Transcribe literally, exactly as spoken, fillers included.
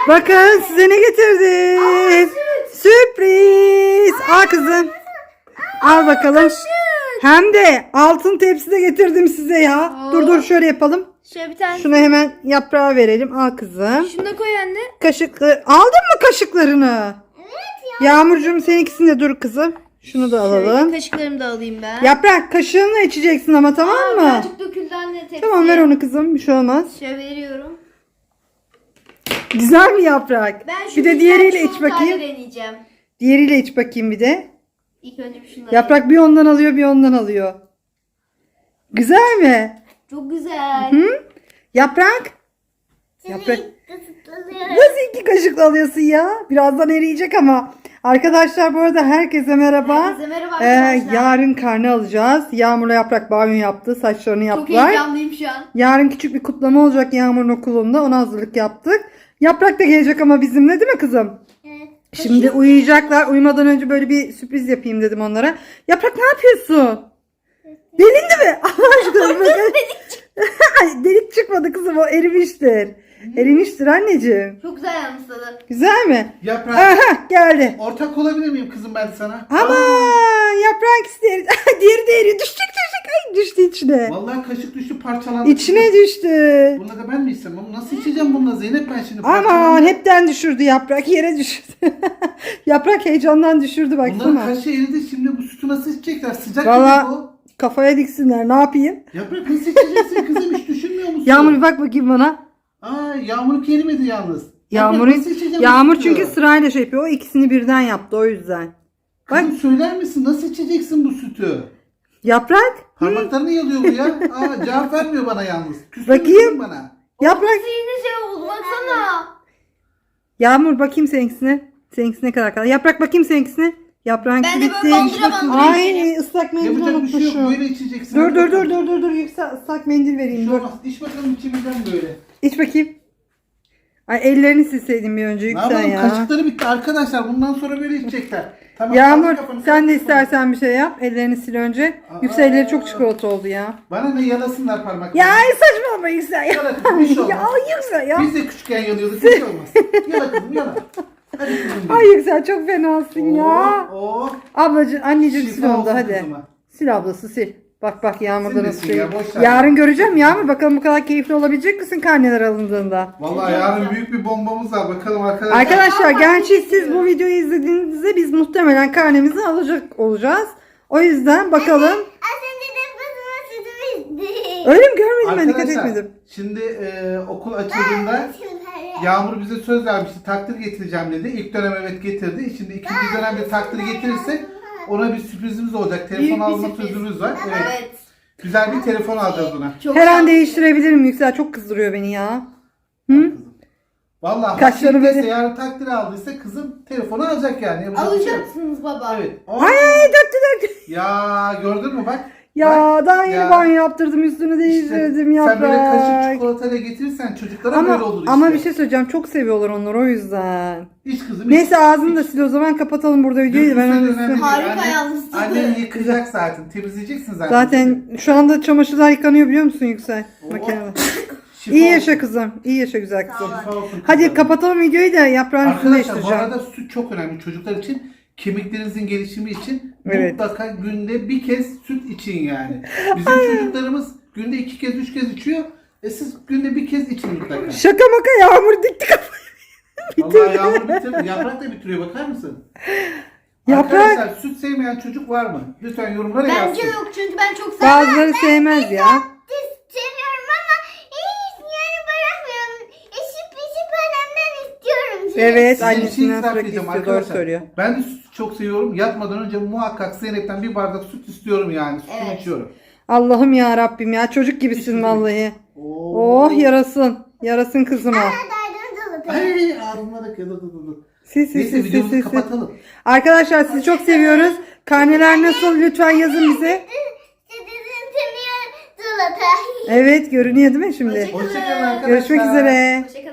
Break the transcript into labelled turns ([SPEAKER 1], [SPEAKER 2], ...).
[SPEAKER 1] Bakın size ne getirdim. Sürpriz. Al kızım. Al bakalım. Hem de altın tepside getirdim size ya.
[SPEAKER 2] Oo.
[SPEAKER 1] Dur dur şöyle yapalım.
[SPEAKER 2] Şöyle bir tane.
[SPEAKER 1] Şunu hemen yaprağa verelim. Al kızım.
[SPEAKER 2] Şunu da koy anne.
[SPEAKER 1] Kaşıkları. Aldın mı kaşıklarını? Evet ya. Yağmurcuğum seninkisini de dur kızım. Şunu da
[SPEAKER 2] Şöyle
[SPEAKER 1] alalım.
[SPEAKER 2] kaşıklarımı da alayım ben.
[SPEAKER 1] Yaprak kaşığınla içeceksin ama tamam
[SPEAKER 2] Aa,
[SPEAKER 1] mı?
[SPEAKER 2] birazcık döküldü anne tepsiye.
[SPEAKER 1] Tamam ver onu kızım. Bir şey olmaz.
[SPEAKER 2] Şöyle veriyorum.
[SPEAKER 1] Güzel mi yaprak?
[SPEAKER 2] Ben şu
[SPEAKER 1] Bir de
[SPEAKER 2] güzel
[SPEAKER 1] diğeriyle iç
[SPEAKER 2] çikolatayı
[SPEAKER 1] bakayım.
[SPEAKER 2] deneyeceğim.
[SPEAKER 1] Diğeriyle iç bakayım bir de.
[SPEAKER 2] İlk önce bir şundan.
[SPEAKER 1] Yaprak bir ondan alıyor bir ondan alıyor. Güzel mi?
[SPEAKER 2] Çok güzel.
[SPEAKER 1] Hı? Yaprak? Yaprak. Nasıl iki kaşık alıyorsun ya? Birazdan eriyecek ama. Arkadaşlar bu arada herkese merhaba.
[SPEAKER 2] Herkese merhaba
[SPEAKER 1] Ee,
[SPEAKER 2] arkadaşlar.
[SPEAKER 1] yarın karne alacağız. Yağmur'la Yaprak banyo yaptı. Saçlarını
[SPEAKER 2] Çok
[SPEAKER 1] yaptılar.
[SPEAKER 2] heyecanlıyım şu an.
[SPEAKER 1] Yarın küçük bir kutlama olacak Yağmur'un okulunda. Ona hazırlık yaptık. Yaprak da gelecek ama bizimle değil mi kızım?
[SPEAKER 2] Evet.
[SPEAKER 1] Şimdi uyuyacaklar. Uyumadan önce böyle bir sürpriz yapayım dedim onlara. Yaprak ne yapıyorsun? Delindi mi? Allah aşkına. bakın. Ay, delik çıkmadı kızım, o erimiştir. Erimiştir anneciğim.
[SPEAKER 2] Çok güzel yalnız tadı.
[SPEAKER 1] Güzel mi?
[SPEAKER 3] Yaprak.
[SPEAKER 1] Aha geldi.
[SPEAKER 3] Ortak olabilir miyim kızım ben sana?
[SPEAKER 1] Ama yaprak ister. Diğeri de eriyor. Düşecek düşecek. Ay düştü içine.
[SPEAKER 3] Vallahi kaşık düştü parçalandı.
[SPEAKER 1] İçine düştü.
[SPEAKER 3] Bunu da ben mi istemem? Bunu nasıl içeceğim bununla Zeynep ben şimdi?
[SPEAKER 1] Aman
[SPEAKER 3] Parçalandı.
[SPEAKER 1] hepten düşürdü yaprak. Yere düşürdü. Yaprak heyecandan düşürdü
[SPEAKER 3] Bunların
[SPEAKER 1] baksana.
[SPEAKER 3] kaşı eridi, şimdi bu sütü nasıl içecekler? Sıcak
[SPEAKER 1] Valla-
[SPEAKER 3] gibi bu.
[SPEAKER 1] Kafaya diksinler. Ne yapayım?
[SPEAKER 3] Yaprak nasıl içeceksin kızım, hiç düşünmüyor musun?
[SPEAKER 1] Yağmur bir bak bakayım bana.
[SPEAKER 3] Aa, Yağmur erimedi yalnız. Yaprak,
[SPEAKER 1] Yağmur'un
[SPEAKER 3] nasıl içeceğim bu
[SPEAKER 1] Yağmur
[SPEAKER 3] sütü?
[SPEAKER 1] çünkü sırayla şey yapıyor. O ikisini birden yaptı o yüzden. Bak
[SPEAKER 3] Kızım söyler misin nasıl içeceksin bu sütü?
[SPEAKER 1] yaprak.
[SPEAKER 3] Parmaklarını yalıyor bu ya. Aa, cevap vermiyor bana yalnız. Küstü
[SPEAKER 1] Bakayım.
[SPEAKER 3] kızım bana.
[SPEAKER 1] Yaprak.
[SPEAKER 2] Yine şey oldu baksana.
[SPEAKER 1] Yağmur bakayım seninkisine. Seninkisi ne kadar kaldı? Yaprak bakayım seninkisine. Yaprağın
[SPEAKER 2] Ben de
[SPEAKER 1] bitti.
[SPEAKER 2] böyle bandıra bandıra
[SPEAKER 1] Ay
[SPEAKER 2] içerim.
[SPEAKER 1] ıslak mendil
[SPEAKER 3] Yapacak bir şey yok,
[SPEAKER 1] unutmuşum.
[SPEAKER 3] böyle içeceksin.
[SPEAKER 1] Dur
[SPEAKER 3] Hadi
[SPEAKER 1] dur dur
[SPEAKER 3] bakalım.
[SPEAKER 1] dur dur dur. Yüksel ıslak mendil
[SPEAKER 3] Bir
[SPEAKER 1] vereyim
[SPEAKER 3] şey
[SPEAKER 1] dur.
[SPEAKER 3] olmaz. İç bakalım içimizden böyle.
[SPEAKER 1] İç bakayım. Ay ellerini silseydin bir önce
[SPEAKER 3] Ne
[SPEAKER 1] Yüksel
[SPEAKER 3] yapalım?
[SPEAKER 1] ya.
[SPEAKER 3] Kaşıkları bitti arkadaşlar. Bundan sonra böyle içecekler. Tamam.
[SPEAKER 1] Yağmur
[SPEAKER 3] kaldır kafanı,
[SPEAKER 1] sen de
[SPEAKER 3] kaldır kafanı.
[SPEAKER 1] istersen bir şey yap. Ellerini sil önce.
[SPEAKER 3] Aa.
[SPEAKER 1] Yüksel elleri çok çikolata oldu ya.
[SPEAKER 3] Bana ne yalasınlar parmaklarını.
[SPEAKER 1] Ya ay saçmalama Yüksel ya.
[SPEAKER 3] Yala kızım, bir şey olmaz.
[SPEAKER 1] Ya Yüksel ya.
[SPEAKER 3] Biz de küçükken yalıyorduk. Bir şey olmaz. Yala kızım yala. Hadi kızım. benim.
[SPEAKER 1] Ay Yüksel çok fenasın ya.
[SPEAKER 3] Oo, oo.
[SPEAKER 1] Ablacığım anneciğim sil
[SPEAKER 3] Şifa
[SPEAKER 1] onu da
[SPEAKER 3] olsun
[SPEAKER 1] hadi.
[SPEAKER 3] kızıma.
[SPEAKER 1] Sil ablası sil. Bak bak Yağmur'da
[SPEAKER 3] Silmesin
[SPEAKER 1] nasıl şey.
[SPEAKER 3] ya, boş ver.
[SPEAKER 1] Yarın göreceğim Yağmur. Bakalım bu kadar keyifli olabilecek misin karneler alındığında?
[SPEAKER 3] Vallahi yarın büyük bir bombamız var. Bakalım arkadaşlar.
[SPEAKER 1] Arkadaşlar
[SPEAKER 2] Aa,
[SPEAKER 1] gerçi
[SPEAKER 2] ben
[SPEAKER 1] siz bu videoyu izlediğinizde biz muhtemelen karnemizi alacak olacağız. O yüzden bakalım.
[SPEAKER 2] Az önce de basına sütü bizdi.
[SPEAKER 1] Öyle mi görmedim ben dikkat
[SPEAKER 3] Arkadaşlar,
[SPEAKER 1] etmedim.
[SPEAKER 3] şimdi e, okul açıldığında Yağmur bize söz vermişti. Takdir getireceğim dedi. İlk dönem evet getirdi. Şimdi ikinci dönemde takdir getirirse ona bir sürprizimiz olacak. Telefon
[SPEAKER 2] Büyük bir
[SPEAKER 3] alma
[SPEAKER 2] sürpriz.
[SPEAKER 3] sözümüz var. Evet.
[SPEAKER 2] Evet.
[SPEAKER 3] Güzel bir telefon alacağız ona.
[SPEAKER 2] Çok
[SPEAKER 1] Her an
[SPEAKER 2] şanslı.
[SPEAKER 1] değiştirebilirim Yüksel. Çok kızdırıyor beni ya. Hı?
[SPEAKER 3] Vallahi
[SPEAKER 1] Kaşları
[SPEAKER 3] Kaşları
[SPEAKER 1] böyle-
[SPEAKER 3] yarın takdir aldıysa kızım telefonu alacak yani. Yapacak bir şey yok.
[SPEAKER 2] Alacaksınız baba.
[SPEAKER 3] Evet. Aa,
[SPEAKER 1] Ay ay döktü döktü.
[SPEAKER 3] Ya gördün mü bak.
[SPEAKER 1] Ya
[SPEAKER 3] Bak,
[SPEAKER 1] daha yeni
[SPEAKER 3] ya.
[SPEAKER 1] banyo yaptırdım üstünü
[SPEAKER 3] İşte
[SPEAKER 1] değiştirdim
[SPEAKER 3] sen böyle kaşık
[SPEAKER 1] yaprak.
[SPEAKER 3] çikolatayla getirirsen çocuklara böyle
[SPEAKER 1] Ama,
[SPEAKER 3] olur işte.
[SPEAKER 1] ama bir şey söyleyeceğim. Çok seviyorlar onları o yüzden.
[SPEAKER 3] İç kızım.
[SPEAKER 1] Neyse
[SPEAKER 3] iç.
[SPEAKER 1] ağzını da sil o zaman kapatalım burada videoyu. Ben
[SPEAKER 3] Dökülse de
[SPEAKER 1] onu
[SPEAKER 3] önemli değil.
[SPEAKER 2] Harika
[SPEAKER 3] Annen-
[SPEAKER 2] yalnız tadı.
[SPEAKER 3] Annen yıkayacak zaten. Temizleyeceksin zaten.
[SPEAKER 1] Zaten şu anda çamaşırlar yıkanıyor biliyor musun Yüksel?
[SPEAKER 3] Oo.
[SPEAKER 1] Makinede.
[SPEAKER 3] Şifa
[SPEAKER 1] İyi
[SPEAKER 3] olsun.
[SPEAKER 1] yaşa kızım. İyi yaşa güzel kızım.
[SPEAKER 2] Sağ ol.
[SPEAKER 3] Şifa olsun
[SPEAKER 1] Hadi
[SPEAKER 3] kızım.
[SPEAKER 1] kapatalım videoyu da yaprağın üstünü
[SPEAKER 3] Arkadaşlar bu
[SPEAKER 1] değiştireceğim.
[SPEAKER 3] arada süt çok önemli çocuklar için. Kemiklerinizin gelişimi için
[SPEAKER 1] Evet.
[SPEAKER 3] mutlaka günde bir kez süt için yani. Bizim çocuklarımız günde iki kez üç kez içiyor. E siz günde bir kez için mutlaka.
[SPEAKER 1] Şaka maka Yağmur dikti kafayı.
[SPEAKER 3] Vallahi Yağmur bitirdi. Yaprak da bitiriyor, bakar mısın?
[SPEAKER 1] Yaprak.
[SPEAKER 3] Arkadaşlar süt sevmeyen çocuk var mı? Lütfen yorumlara yazsın.
[SPEAKER 2] Bence yok çünkü ben çok seviyorum.
[SPEAKER 1] Bazıları sevmez ya.
[SPEAKER 2] Seviyorum ama hiç yani bırakmıyorum. Eşip eşip annemden istiyorum.
[SPEAKER 1] Evet
[SPEAKER 3] Size bir şey
[SPEAKER 1] annesinden
[SPEAKER 3] itiraf
[SPEAKER 1] sürekli
[SPEAKER 3] edeceğim
[SPEAKER 1] istiyor doğru
[SPEAKER 3] arkadaşlar.
[SPEAKER 1] söylüyor.
[SPEAKER 3] Ben de sütü çok seviyorum. Yatmadan önce muhakkak Zeynep'ten bir bardak süt istiyorum yani. Sütünü
[SPEAKER 2] Evet.
[SPEAKER 3] içiyorum.
[SPEAKER 1] Allah'ım ya Rabbim ya çocuk gibisin
[SPEAKER 3] Hiçbir-
[SPEAKER 1] vallahi.
[SPEAKER 3] Oo.
[SPEAKER 1] Oh yarasın. Yarasın kızıma.
[SPEAKER 3] Ay ağzımda da kırdı.
[SPEAKER 1] Sil sil
[SPEAKER 3] Neyse
[SPEAKER 1] sil sil
[SPEAKER 3] videomuzu
[SPEAKER 1] sil. sil.
[SPEAKER 3] kapatalım.
[SPEAKER 1] Arkadaşlar sizi çok seviyoruz. Karneler nasıl lütfen yazın bize. Evet görünüyor değil mi şimdi?
[SPEAKER 2] Hoşçakalın.
[SPEAKER 3] Hoşçakalın arkadaşlar.
[SPEAKER 1] Görüşmek üzere.
[SPEAKER 2] Hoşçakalın.